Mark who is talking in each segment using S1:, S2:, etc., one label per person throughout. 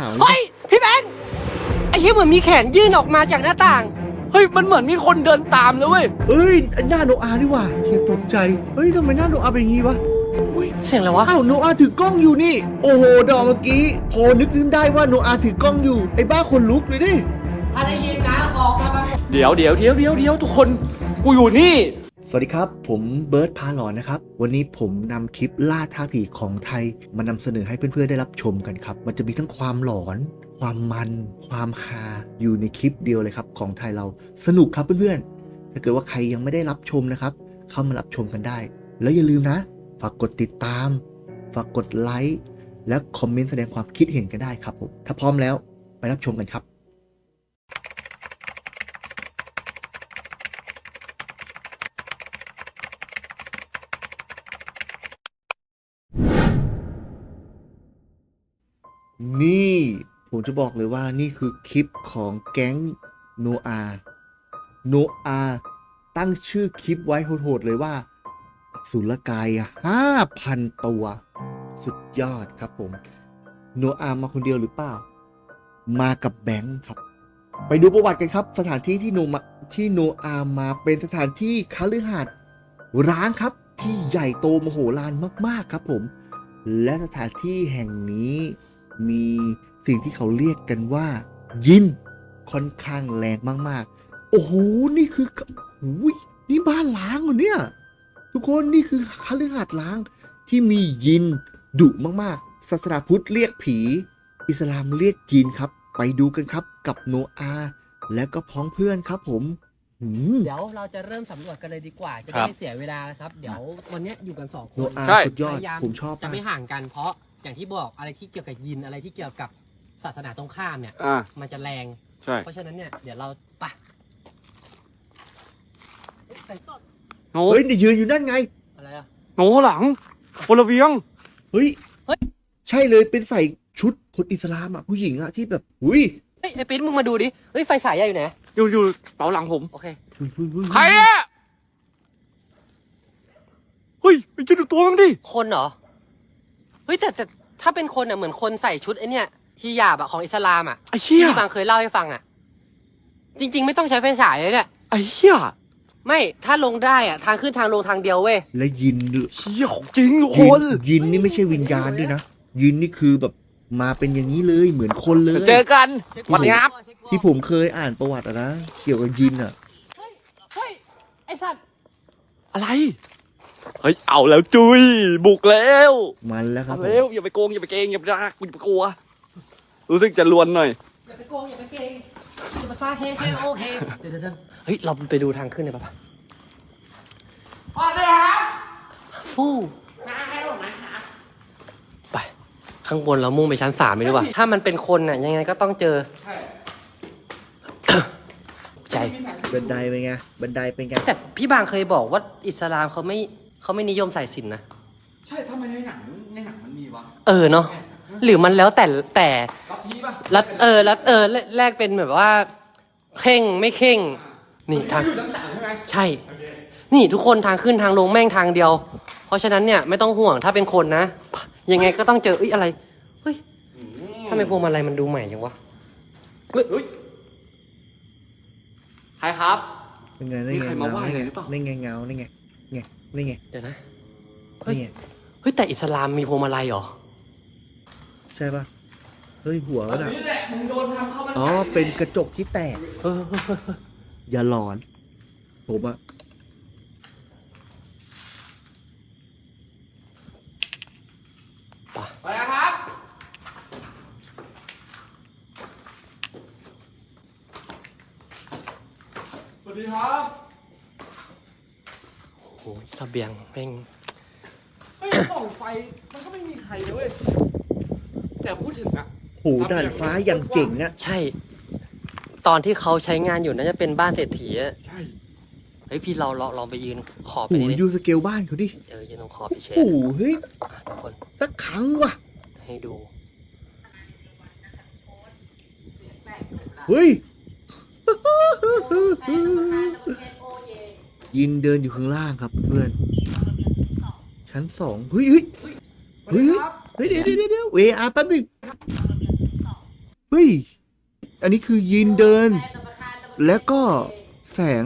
S1: าว
S2: เฮ้ยพี่แบงค์ไอ้เหี้ยเหมือนมีแขนยื่นออกมาจากหน้าต่างเฮ้ยมันเหมือนมีคนเดินตามเลยเว้ย
S1: เอ้ยหน้าโนอาห์นี่หว่าเฮียตกใจเฮ้ยทำไมหน้าโนอาห์เป็นอย่างงี้วะ
S2: เสียงอะไรวะ
S1: อ้าวโนอาห์ถือกล้องอยู่นี่โอ้โหดอกเมื่อกี้พอนึกถึงได้ว่าโนอาห์ถือกล้องอยู่ไอ้บ้าคนลุกเลยดิ
S2: ถ้าได้ยินนะออกมาบ้าง
S3: เดี๋ยวทุกคนกูอยู่นี่
S1: สวัสดีครับผมเบิร์ดพาหลอนนะครับวันนี้ผมนำคลิปล่าท้าผีของไทยมานำเสนอให้เพื่อนๆได้รับชมกันครับมันจะมีทั้งความหลอนความมันความฮาอยู่ในคลิปเดียวเลยครับของไทยเราสนุกครับเพื่อนๆถ้าเกิดว่าใครยังไม่ได้รับชมนะครับเข้ามารับชมกันได้แล้วอย่าลืมนะฝากกดติดตามฝากกดไลค์และคอมเมนต์แสดงความคิดเห็นกันได้ครับผมถ้าพร้อมแล้วไปรับชมกันครับนี่ผมจะบอกเลยว่านี่คือคลิปของแก๊งโนอาตั้งชื่อคลิปไว้โหดๆเลยว่าสุลกาย 5,000 ตัวสุดยอดครับผมโนอามาคนเดียวหรือเปล่ามากับแบงค์ครับไปดูประวัติกันครับสถานที่ที่โนอามาเป็นสถานที่คฤหาสน์ร้างครับที่ใหญ่โตมโหฬารมากๆครับผมและสถานที่แห่งนี้มีสิ่งที่เขาเรียกกันว่ายินค่อนข้างแรงมากๆโอ้โหนี่คืออุ้ยนี่บ้านล้างเหรอเนี่ยทุกคนนี่คือคฤหาสน์ล้างที่มียินดุมากๆศาสนาพุทธเรียกผีอิสลามเรียกยินครับไปดูกันครับกับโนอาและก็พ้องเพื่อนครับผม
S2: เดี๋ยวเราจะเริ่มสำรวจกันเลยดีกว่าจะได้ไม่เสียเวลานะครับเดี๋ยววันนี้อยู่กัน2 ค
S1: โน
S2: น
S1: อา
S3: ใช่
S1: สุดยอด
S2: พยายาม
S1: ผมชอบ
S2: จะไม่
S1: มาก
S2: ห่างกันเพราะอย่างที่บอกอะไรที่เกี่ยวกับยินอะไรที่เกี่ยวกับศาสนาตรงข้ามเนี่ย
S3: อ่า
S2: มันจะแรง
S3: ใช่
S2: เพราะฉะนั้นเนี่ยเดี๋ยวเราไป
S3: โน
S1: เฮ้ยเดี๋ยวยืนอยู่นั่นไง
S2: อะไรอะ
S3: โนหลังคนละเวียง
S1: เฮ้ยใช่เลยเป็นใส่ชุดคนอิสลามอ่ะผู้หญิงอ่ะที่แบบอุ้ย
S2: เฮ้ยไอ้ปิ๊นมึงมาดูดิเฮ้ยไฟฉายอยู่ไหน
S3: อยู่เป๋าหลังผม
S2: โอเค
S3: ใครอะเฮ้ยไปดูตัวมั้งดิ
S2: คนเหรอเฮ้ยแต่ถ้าเป็นคนอ่ะเหมือนคนใส่ชุดไอ้เนี่ยฮิญาบอะของอิสลามอะ
S3: ไอ้เหี้ย
S2: ที่บางเคยเล่าให้ฟังอะจริง ๆ ไม่ต้องใช้ไฟฉายเลยเนี่ย
S3: ไอ้เหี้ย
S2: ไม่ถ้าลงได้อะทางขึ้นทางลงทางเดียวเว้ย
S1: และยินด้วย
S3: เหี้ยของจริงทุกค
S1: ยิ
S3: น
S1: ยินนี่ไม่ใช่วิญญาณด้วยนะยินนี่คือแบบมาเป็นอย่างนี้เลยเหมือนคนเลย
S3: เจอกันสวัสดีครับ
S1: ที่ผมเคยอ่านประวัติอะนะเกี่ยวกับยินอ่ะ
S2: เฮ้ยไอสัตว์
S3: อะไรเฮ้ยเอาแล้วจุยบุกแล้ว
S1: มันแล้วครับ
S3: เอา
S1: ผม
S3: แล้วอย่าไปโกงอย่าไปเกงอย่าไปรักกูอย่าไปกลัวรู้สึกจะลวนหน่อย
S2: อย่าไปโกงอย่าไปเกงอย่ามาซาเฮ้โอเฮเดี๋ยวเฮ้ยเราไปดูทางขึ้นเลยป่ะพอเลยครับฟู่ไปข้างบนเรามุ่งไปชั้น3ไม่รู้ป่ะถ้ามันเป็นคนน่ะยังไงก็ต้องเจอใจ
S1: บันไดเป็นไงบันไดเป็นไง
S2: แต่พี่บางเคยบอกว่าอิสลามเขาไม่นิยมใส่สิญจน์นะ
S3: ใช่ทำไมในหนังมันมีวะ
S2: เนาะหรือมันแล้วแต่
S3: ลัทธิป่ะ
S2: แล้วแรกเป็นแบบว่าเข่งไม่เข่งนี่ทาง
S3: อยู่ด้านหลังใช่ไหม
S2: ใช่ นี่ทุกคนทางขึ้นทางลงแม่งทางเดียว เพราะฉะนั้นเนี่ยไม่ต้องห่วงถ้าเป็นคนนะยังไงก็ต้องเจออะไรเฮ้ยทำไมพวงมาลัยมันดูใหม่จังวะ
S3: เฮ้ยใครครับ
S1: เป็นไงได้
S3: มี
S1: ไง
S3: ใครมาไหว้เลยหรือเปล่า
S1: ได้ไงเงาได้ไงนี่ไง
S2: เดี๋ยวนะเฮ้ย
S1: นี่ไง
S2: เฮ้ยแต่อิสลามมีพวงมาลัยเหรอ
S1: ใช่ป่ะเฮ้ยหัว
S3: อั
S1: มัน นอ่ะ
S3: นี้แหละมึงโดนทำเข้ามัน
S1: อ๋อเป็นกระจกที่แตก
S2: เออ
S1: อย่าหลอนผมอะ
S3: ไปนะครับสวัสดีครับ
S2: โอ้โหระเบียงแม่ง
S3: เฮ้ยส่องไฟมันก็ไม่มีใครเลยเว้ยแต่พูดถึงอะ
S1: โหด่านฟ้าอย่างเจ๋งอะ
S2: ใช่ ตอนที่เขาใช้งานอยู่น่าจะเป็นบ้านเศรษฐีอะ
S3: ใช่
S2: เฮ้ยพี่เราลองไปยืนขอบไป
S1: โห
S2: นี่
S1: ดูสเกลบ้านเขาดิ
S2: ยืนตรงขอบไปเช็
S1: โอ้โหเฮ้ย
S2: ทุกคน
S1: สักครั้งว่ะ
S2: ให้ดู
S1: เฮ้ย ยินเดินอยู่ข้างล่างครับเพื่อนชั้น2เฮ้ยเฮ้ยเฮ้ยเฮ้ยเดี๋ยวเวอาแป๊บนึงฮ้ย อันนี้คือยีนเดิน แล้วก็แสง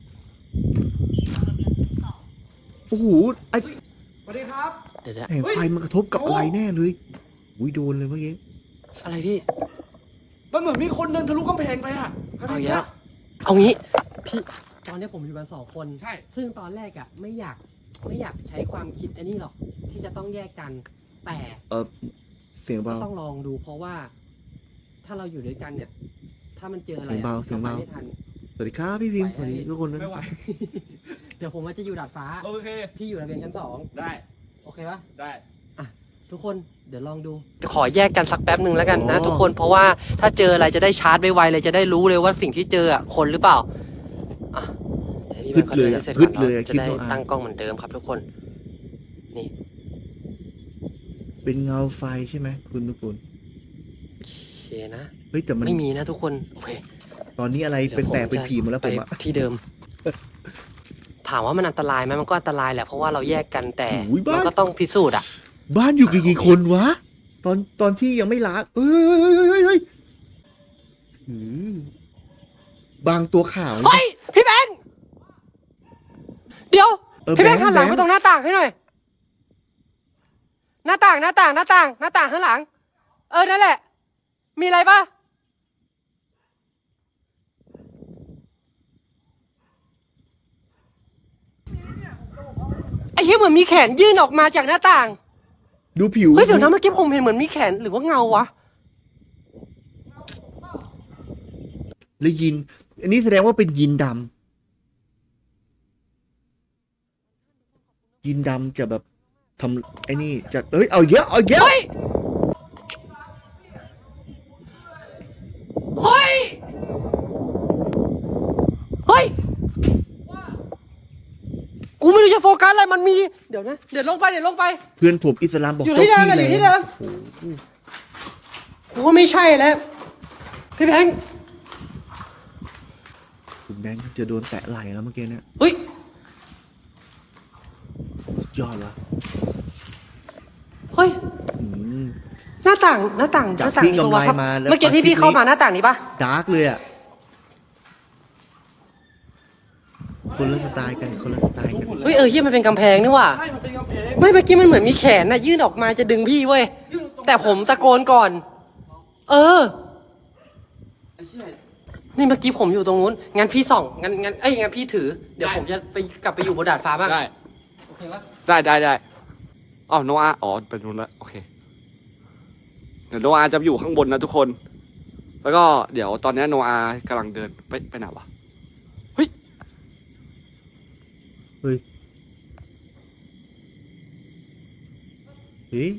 S1: โอ้โหไอ
S3: สวัสดีครับ
S2: เดี๋ยว
S1: แสงไฟมันกระทบกับอะไรแน่เลยอุ้ยโดนเลยเมื่อกี้
S2: อะไรพี่
S3: มันเหมือนมีคนเดินทะลุกำแพงไปอ่ะ
S2: เอาอย่างเงี้ยเอางี้พี่ตอนนี้ผมอยู่กัน2 คน
S3: ใช่
S2: ซึ่งตอนแรกอะไม่อยากใช้ความคิดอันนี้หรอกที่จะต้องแยกกัน แต่
S1: เสียง
S2: ก็
S1: เบา
S2: ต้องลองดูเพราะว่า ถ้าเราอยู่ด้วยกันเนี่ย ถ้ามันเจออะไร
S1: เสียงเบาเสียงเบา
S2: รไปไม่ทัน
S1: สวัสดีครับพี่พิมพ์สวัสดีทุกคนนะ
S3: ไม่ไหว
S2: เดี๋ยวผมว่าจะอยู่ดาดฟ้า
S3: โอเค
S2: พี่อยู่ระเบียงชั้น
S3: ได้
S2: 2โอเคปะ
S3: ได้
S2: ทุกคนเดี๋ยวลองดูจะขอแยกกันสักแป๊บหนึ่งแล้วกันนะทุกคนเพราะว่าถ้าเจออะไรจะได้ชาร์จไวๆเลยจะได้รู้เลยว่าสิ่งที่เจออะคนหรือเปล่าอ่ะเดี๋ยวพี่แบงค์เขาเดินให้เสร็จก่อนเนาะจะได้ตั้งกล้องเหมือนเดิมครับทุกคนนี่
S1: เป็นเงาไฟใช่ไหมคุณทุกคน
S2: โอเคนะ
S1: เฮ้ยแต่มัน
S2: ไม่มีนะทุกคนโอเค
S1: ตอนนี้อะไร
S2: ดี๋ยว
S1: เป็นแปลก
S2: ผม
S1: เป็น
S2: จะ
S1: ผีหมดแล้ว
S2: ไป
S1: ผมอะ
S2: ที่เดิม ถามว่ามันอันตรายไหมมันก็อันตรายแหละเพราะว่าเราแยกกันแต่มันก็ต้องพิสูจน์อ่ะ
S1: บ้านอยู่กี่คนวะ ตอนที่ยังไม่ล้างเอ้ยอืมบางตัวข่าว
S2: เฮ้ยพี่แบงค์เดี๋ยว พี่แบงค์
S1: แบงค์
S2: หันหลัง
S1: แบ
S2: ไป
S1: งค์
S2: ตรงหน้าต่างให้หน่อย หน้าต่างข้างหลัง นั่นแหละ มีอะไรปะไอ้เหี้ยเหมือนมีแขนยื่นออกมาจากหน้าต่าง
S1: ดูผิว
S2: เฮ้ยเดี๋ยวนะเมื่อกี้ผมเห็นเหมือนมีแขนหรือว่าเงาวะ
S1: แล้วยิน อันนี้แสดงว่าเป็นยินดำยินดำจะแบบทำไอ้นี่จะเอ้ยเอาเยอะ
S2: เฮ้ย เฮ้ย เฮ้ย กูไม่รู้จะโฟกัสอะไรมันมี เดี๋ยวนะ เดี๋ยวลงไป
S1: เพื่อนผมอิสลามบอก
S2: อยู่ที่เดิม
S1: จ้า
S2: อยู่ที่
S1: แร
S2: เดิ
S1: ง
S2: ม กูว่าไม่ใช่แล้ว พี่แบงค์
S1: คุณแบงค์จะโดนแตะไหล่แล้วเมื่อกี้เนี่ย
S2: เฮ้ย
S1: สุดยอดละ
S2: เฮ้ย
S1: อืม
S2: หน้าต่าง
S1: จากที่
S2: นี้ปะวะ
S1: กำไร
S2: ครับ
S1: มาแล้ว
S2: เมื่อกี้ที่พี่เข้ามาหน้าต่างนี้ปะ
S1: ดาร์กเลยอ่ะ คนละสไตล์กัน คนละสไตล์กัน
S2: เฮ้ยเหี้ยมันเป็นกำแพงนี่ว่ะ
S3: ใช่ มันเป็นกำแพง
S2: ไม่เมื่อกี้มันเหมือนมีแขนน่ะยื่นออกมาจะดึงพี่เว้ย
S3: ยื่นตรง
S2: แต่ผมตะโกนก่อน เออ
S3: ไอ้เชี่ย
S2: นี่เมื่อกี้ผมอยู่ตรงนู้น งั้นพี่ส่อง งั้นพี่ถือ เดี๋ยวผมจะไปกลับไปอยู่บนดาดฟ้าบ้าง
S3: ได้
S2: โอเคปะ
S3: ได้อ๋อโนอาอ๋อเป็นนู้นละโอเค เดี๋ยวโนอาจะอยู่ข้างบนนะทุกคน แล้วก็เดี๋ยวตอนนี้โนอากำลังเดินไปไหนวะ เฮ้ย
S1: เฮ้ย เฮ้ย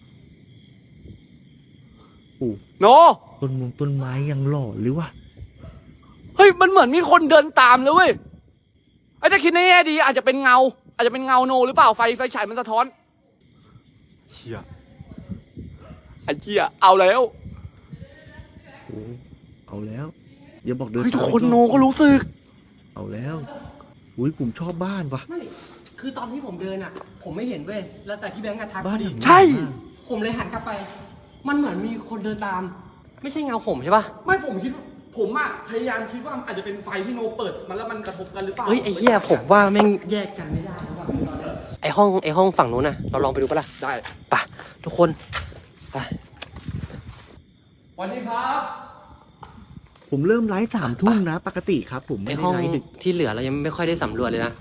S1: โอ้
S3: โน
S1: ต้นไม้ยังหล่อหรือวะ
S3: เฮ้ย มันเหมือนมีคนเดินตามเลยเว้ยไอ้ถ้าคิดในแง่ดีอาจจะเป็นเงา อาจจะเป็นเงาโนหรือเปล่าไฟฉายมันสะท้อนเชี่ยไอ้เชี่ยเอาแล้ว
S1: โอ้เอาแล้วอย่าบอกเดิน
S3: เฮ้ยทุก
S1: ตาม
S3: คน
S1: อีรอบ
S3: โนก็รู้สึก
S1: เอาแล้วอุ้ยผมชอบบ้านวะ
S2: ไม่ คือตอนที่ผมเดินอ่ะ ผมไม่เห็นเว้ย แล้วแต่พี่แบงค์กระทัก
S1: บ้าน
S2: พอดี
S1: หลัง
S3: ใช่
S1: มาก
S2: ผมเลยหันกลับไป มันเหมือนมีคนเดินตาม ไม่ใช่เงาผมใช่ปะ
S3: ไม่ผมคิดผมอะพยายามคิดว่าอาจจะเป็นไฟที่โนเปิดมันแล้วมันกระทบกันหรือเปล่า
S2: เฮ้ยไอ้เหี้ยผมว่าแม่งแยกกันไม่ได้แล้วว่ะไอ้ห้องฝั่งนู้นน่ะ เราลองไปดูปะล่ะ
S3: ได้
S2: ไปทุกคนไป
S3: สวัสดีครับ
S1: ผมเริ่มไลฟ์3 ทุ่มนะ ปกติครับ ผม
S2: ไอ้
S1: ไม่ได้
S2: ห้อง
S1: ไลฟ์ดึก
S2: ที่เหลือเรายังไม่ค่อยได้สำรวจเลยนะ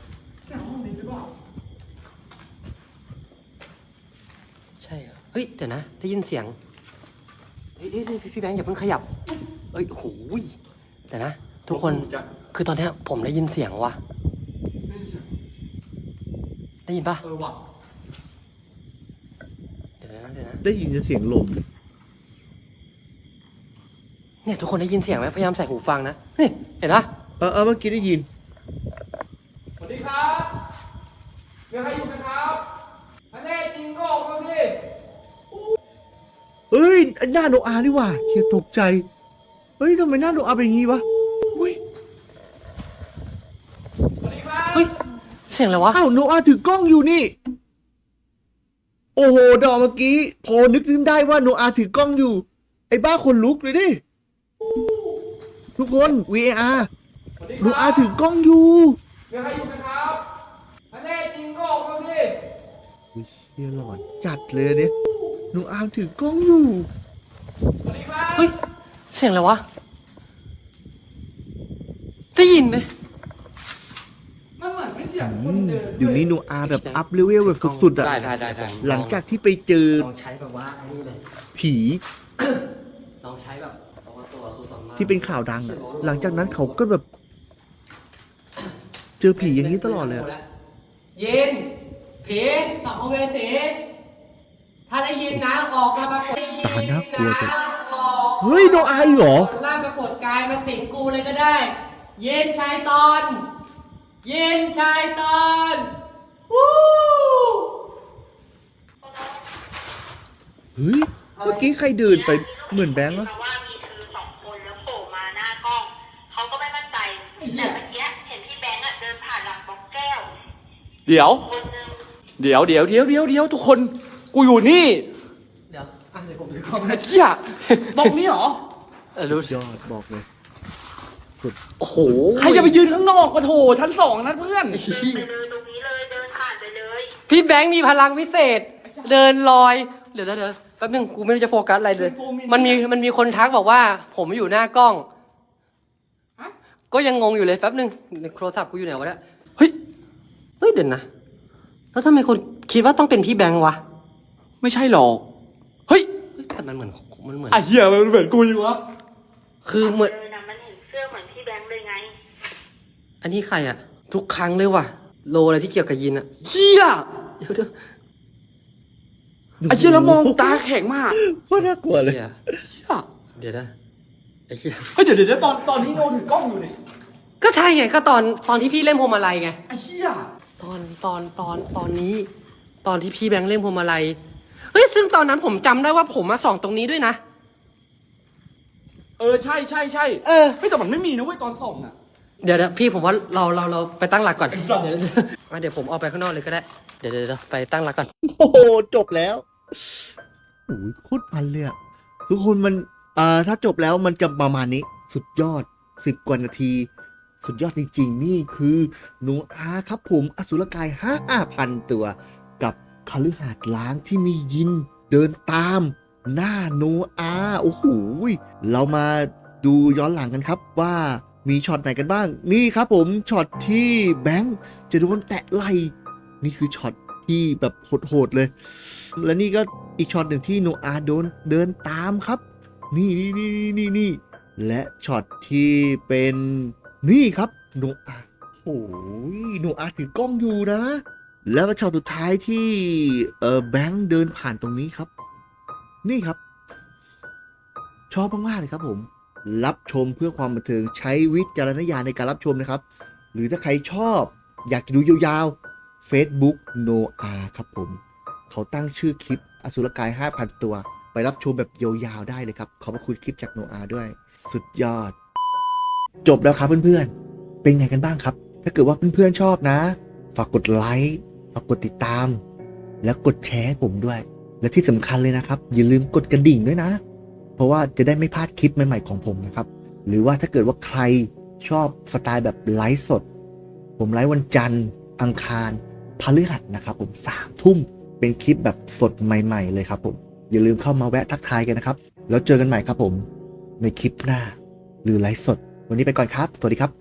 S2: ใช่เหรอเฮ้ยเดี๋ยวนะ ได้ยินเสียง เฮ้ยพี่แบงค์อย่าเพิ่งขยับ เอ้ยโอ้โหยเดี๋ยวนะ ทุกคน คือตอนเนี้ยผมได้ยินเสียงว่ะ ได้ยินปะ
S3: เออว่ะ
S2: เดี๋ยวนะ
S1: ได้ยินเสียงลม
S2: เนี่ยทุกคนได้ยินเสียงไหมพยายามใส่หูฟังนะ นี่เห็นปะ
S1: เมื่อกี้ได้ยิน
S3: สวัสดีครับมีใครอยู่ไหมครับอันแน่จริงก็ออกมาสิ
S1: เอ้ยหน้าโนอานี่ว่ะเฮียตกใจ เฮ้ยทำไมหน้าโนอาเป็นอย่างงี้วะอุ้ย
S3: สวัสดีครับ
S2: เฮ้ย เสียงอะไรวะ
S1: อ้าวโนอาถือกล้องอยู่นี่ โอ้โหดอกเมื่อกี้ พอนึกขึ้นได้ว่าโนอาถือกล้องอยู่ไอ้บ้าคนลุกเลยดิ ทุกคน VAR โนอาถือกล้องอยู่
S3: มีใครอยู่ไหมครับอันแน่จริงก็ออกมาสิ
S1: อุ๊ยเชี่ยหลอนจัดเลยเนี่ยโนอาถือกล้องอยู่
S3: สวัสดีครับ
S2: เฮ้ย เสียงอะไรวะ ได้ยินไหม
S3: มันเหมือนไม่เสียงคนเดิน
S1: เดี๋ยวนี้โนอาแบบอัพเลเวลแบบสุดๆอ่ะ
S2: ได้
S1: หลังจากที่ไปเจอ
S2: ลองใช้แบบว่าอันนี้เลย
S1: ผี
S2: ลองใช้แบบเอาตัวคือสองมา
S1: ที่เป็นข่าวดังอะหลังจากนั้นเขาก็แบบ เจอผีอย่างนี้ตลอดเลยอะ
S2: เย็นผีสัมภเวสีถ้าได้ยินนะออกมาปรากฏได้ยิน
S1: ตาน่ากลัวจัง
S2: นะออก
S1: เฮ้ยโนอาอีกเหรอ
S2: ร่างปรากฏกายมาสิงกูเลยก็ได้ เย็นชายตอน เย็นชายตอนวู้
S1: เฮ้ย เมื่อกี้ใครเดินไปเหมือนแบงค์วะ
S4: เพราะว่ามีเธอสองคนแล้วโผล่มาหน้ากล้อง เขาก็ไม่มั่นใจ แต่เมื่อกี้เห็นพี่แบงค์อะเดินผ่านหลังบล็อกแก้ว
S3: เดี๋ยว
S4: คนนึง
S3: เดี๋ยวทุกคน กูอยู่นี่
S2: เดี๋ยวเดี๋ยวผมถือกล้อง
S3: ไอ้
S2: นะ
S3: เหี้ยบอกนี่เหรอ
S2: รู้
S1: ยอดบอกเลย
S2: โอ้โห
S3: ใครจะไปยืนข้างนอกมาโถชั้น 2นั้นเพื่อน
S4: ไปเลยตรงนี้เลย เดินผ่านไปเลย
S2: พี่แบงค์มีพลังวิเศษ เดินลอย เดี๋ยวแป๊บนึงกูไม่รู้จะโฟกัสอะไรเลย มันมีคนทักบอกว่า ผมอยู่หน้ากล้อง
S3: ฮะ
S2: ก็ยังงงอยู่เลยแป๊บนึงโทรศัพท์กูอยู่ไหนวะเนี่ย
S3: เฮ้ย
S2: เฮ้ยเดี๋ยวนะ แล้วทำไมคนคิดว่าต้องเป็นพี่แบงค์วะ
S3: ไม่ใช่หรอก เฮ้ย
S2: เฮ้ยแต่มันเหมือน
S3: ไอ้เหี้ยมันเหมือนกูอยู่วะ
S2: คือเหมือน
S4: เออนะมันเห็นเสื้อเหมือนพี่แบงค์เลยไง
S2: อันนี้ใครอะทุกครั้งเลยว่ะ โลอะไรที่เกี่ยวกับยินอะ
S3: เหี้ย
S2: เดี๋ยว
S3: ไอ้เหี้ยแล้วมองตาแข็งมาก
S1: โคตรน่ากลัวเลย
S2: เดี๋ยว
S3: เหี้ย
S2: เดี๋ยวนะไอ้เหี้ย
S3: เฮ้ยเดี๋ยวตอนนี้โนถือกล้องอยู่เนี่ย
S2: ก็ใช่ไงก็ตอนที่พี่เล่นพวงมาลัยไง
S3: ไอ้เหี้ย
S2: ตอนนี้ ตอนที่พี่แบงค์เล่นพวงมาลัยเฮ้ยซึ่งตอนนั้นผมจำได้ว่าผมมาส่องตรงนี้ด้วยนะ
S3: เออใช่
S2: เออ
S3: เฮ้ยแต่มันไม่มีนะเว้ยตอนส่องน่ะ
S2: เดี๋ยวพี่ผมว่าเราไปตั้งหลักก่อน
S3: ไอ้สัตว์
S2: เดี๋ยวผมออกไปข้างนอกเลยก็ได้เดี๋ยวไปตั้งหลักก่อน
S1: โอ้โหจบแล้วโอ้ยโคตรมันเลยอะทุกคนมันถ้าจบแล้วมันจะประมาณนี้ สุดยอด10 กว่านาที สุดยอดจริงๆ นี่คือโนอาครับผมอสุรกาย5,000 ตัว กับคฤหาสน์ล้างที่มียินเดินตามหน้าโนอาโอ้โหเรามาดูย้อนหลังกันครับว่ามีช็อตไหนกันบ้าง นี่ครับผมช็อตที่แบงค์จะโดนแตะไหล่นี่คือช็อตที่แบบโหดๆเลย และนี่ก็อีกช็อตหนึ่งที่โนอาโดนเดินตามครับ นี่และช็อตที่เป็นนี่ครับโนอาโอ้ยโนอาถือกล้องอยู่นะ แล้วก็ช็อตสุดท้ายที่แบงค์เดินผ่านตรงนี้ครับ นี่ครับ ชอบมากๆเลยครับผม รับชมเพื่อความบันเทิงใช้วิจารณญาณในการรับชมนะครับ หรือถ้าใครชอบอยากจะดูยาวๆ Facebook Noah ครับผม เขาตั้งชื่อคลิปอสุรกาย 5,000 ตัว ไปรับชมแบบยาวๆได้เลยครับ ขอบพระคุณคลิปจาก Noah ด้วย สุดยอด จบแล้วครับเพื่อนๆ เป็นไงกันบ้างครับ ถ้าเกิดว่าเพื่อนๆชอบนะ ฝากกดไลค์ฝากกดติดตาม แล้วกดแชร์ให้ผมด้วย และที่สำคัญเลยนะครับ อย่าลืมกดกระดิ่งด้วยนะ เพราะว่าจะได้ไม่พลาดคลิปใหม่ๆของผมนะครับ หรือว่าถ้าเกิดว่าใครชอบสไตล์แบบไลฟ์สด ผมไลฟ์วันจันทร์อังคารพฤหัสนะครับผม3 ทุ่มเป็นคลิปแบบสดใหม่ๆเลยครับผมอย่าลืมเข้ามาแวะทักทายกันนะครับแล้วเจอกันใหม่ครับผมในคลิปหน้าหรือไลฟ์สด วันนี้ไปก่อนครับสวัสดีครับ